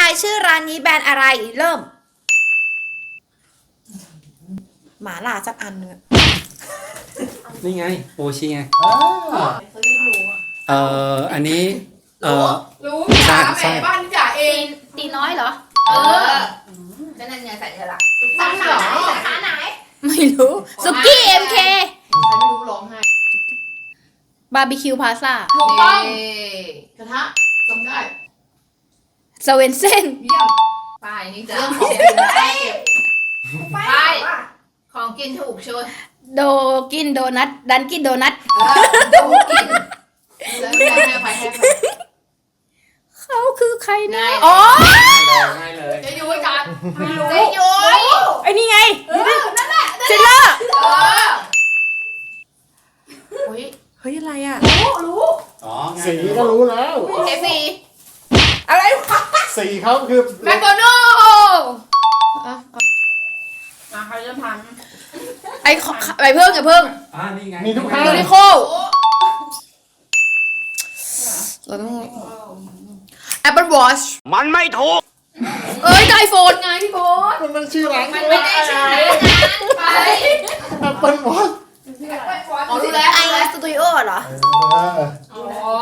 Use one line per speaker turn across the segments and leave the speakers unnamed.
ายชื่อร้านนี้แบรนด์อะไรเริ่มหมาล่าสักอันนึง
นี่ไงโอชิไง
อ่า
อันนี้
รู้พี่จ๋า
ใช่
แหมบ้านพี่จ๋าเอง
ตีน้อยเหรอ
ก็นั่นไงใส่เธอละ
สาขาไหนสาขาไหนไม่รู้สุกี้เอ็มเค
ใครไม่รู้ร้องไห้
บาร์บีคิวพาซ่า
ถูกต้องกระทะจำได้
สเวนเซน
เยี่ยมป้ายนี่จ้ะเรื่องของกินได้เก็บป้ายของกินถูกช่วย
โดกินโดนัทดันกินโดนัท
ถูกกินแล้วให้อภัยให้อภัย
เขาคือใครนะ
ง่าย
อ๋อ
ง่ายเลย
จะยุ้ยกัน
ไม่รู้
จะยุ้ย
ไอ้นี่ไง
นั่นแหละ
เจนเลอร์
เฮ้ย
เฮ้ยอะไรอ่ะ
รู้
อ๋อง่าย
สี
เลย
ก็รู้แล้ว
เอฟซี
อะไรวะ
สีเขาคือ
แมคโดนัลมาใครจะท
ไอ้ไอ้เพิ่งไอ้เพิ่ง
นี่ไง
มีทุกข้าง
ยูนิโคเราต้อง Apple Watch
มันไม่ถูก
เอ้ยไอโฟนไงพี่โบ๊ท
มันชื่อร้าน
มันไม่ได้ชื่อร้านไป
Apple Watch
อ๋อรู้แล้ว
ไอสตูดิโอเหรอ
อ๋อ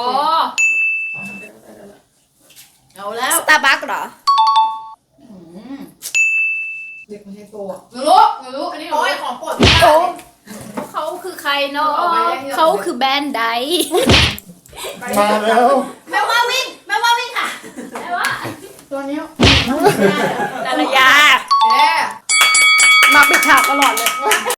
เอาแล้ว
Starbucks เหรอ
เด็กไม่ใช่ตัวหนูรู้อันนี้หนูของโปรดพี่
โอ้เขาคือใครเนาะเขาคือแบรนด์ใด
มาแล้ว
แม่ว่าวิ่งค่ะแม่ว่า
ตัวนี้
ดารยา
แย่
มาปิดฉากตลอดเลย